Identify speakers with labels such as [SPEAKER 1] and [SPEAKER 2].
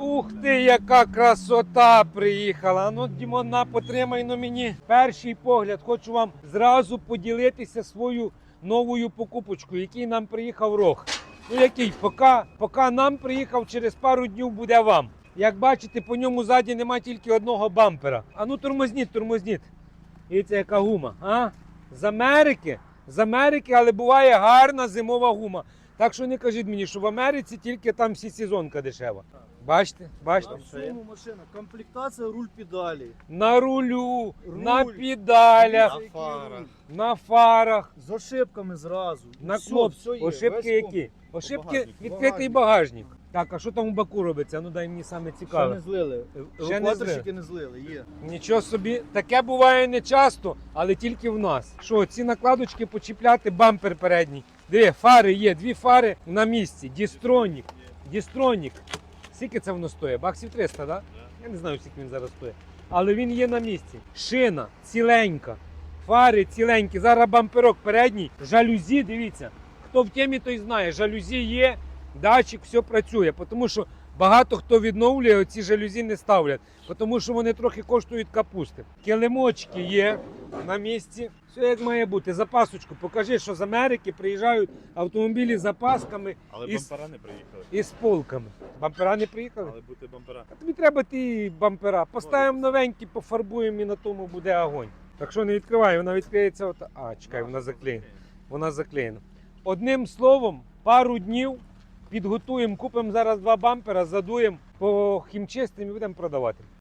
[SPEAKER 1] Ух ти, яка красота приїхала. Ну, Дімона, потримай на мені. Перший погляд, хочу вам зразу поділитися свою новою покупочкою, який нам приїхав рог. Ну який, поки нам приїхав, через пару днів буде вам. Як бачите, по ньому ззаді немає тільки одного бампера. А ну тормозніть. Дивіться, яка гума. А? З Америки, але буває гарна зимова гума. Так що не кажіть мені, що в Америці тільки там всесезонка дешева. Бачите?
[SPEAKER 2] В цьому машина. Комплектація руль педалі.
[SPEAKER 1] На рулю, на
[SPEAKER 2] Руль.
[SPEAKER 1] педалях,
[SPEAKER 2] Який руль.
[SPEAKER 1] на фарах,
[SPEAKER 2] З ошибками зразу.
[SPEAKER 1] на
[SPEAKER 2] Все,
[SPEAKER 1] кнопці.
[SPEAKER 2] все є,
[SPEAKER 1] Ошибки
[SPEAKER 2] весь
[SPEAKER 1] які? Ошибки
[SPEAKER 2] багажник.
[SPEAKER 1] відкритий багажник. Так, а що там у баку робиться? Ну дай мені саме
[SPEAKER 2] Ще
[SPEAKER 1] цікаве.
[SPEAKER 2] не злили.
[SPEAKER 1] Ще не
[SPEAKER 2] Евакуаторщики не злили, є.
[SPEAKER 1] Нічого собі, таке буває не часто, але тільки в нас. Що, ці накладочки почіпляти, бампер передній. Диви, фари є, дві фари на місці. Дістронік. Скільки це воно стоїть? Баксів 300, так? Да? Я не знаю, скільки він зараз стоїть. Але він є на місці. Шина ціленька, фари ціленькі. Зараз бамперок передній, жалюзі, дивіться. Хто в темі, той знає, жалюзі є, датчик, все працює. Тому що багато хто відновлює, оці жалюзі не ставлять, тому що вони трохи коштують капусти. Килимочки є на місці. Все як має бути. Запасочку. Покажи, що з Америки приїжджають автомобілі з запасками.
[SPEAKER 3] Але
[SPEAKER 1] із,
[SPEAKER 3] бампера не приїхали.
[SPEAKER 1] із полками. Бампера не приїхали?
[SPEAKER 3] Але бути бампера.
[SPEAKER 1] А тобі треба ті бампера. Поставимо новенькі, пофарбуємо і на тому буде огонь. Так що не відкривай, вона відкриється. А, чекай, вона заклеєна. Вона заклеєна. Одним словом, пару днів підготуємо, купимо зараз 2 бампера, задуємо, по хімчистим і будемо продавати.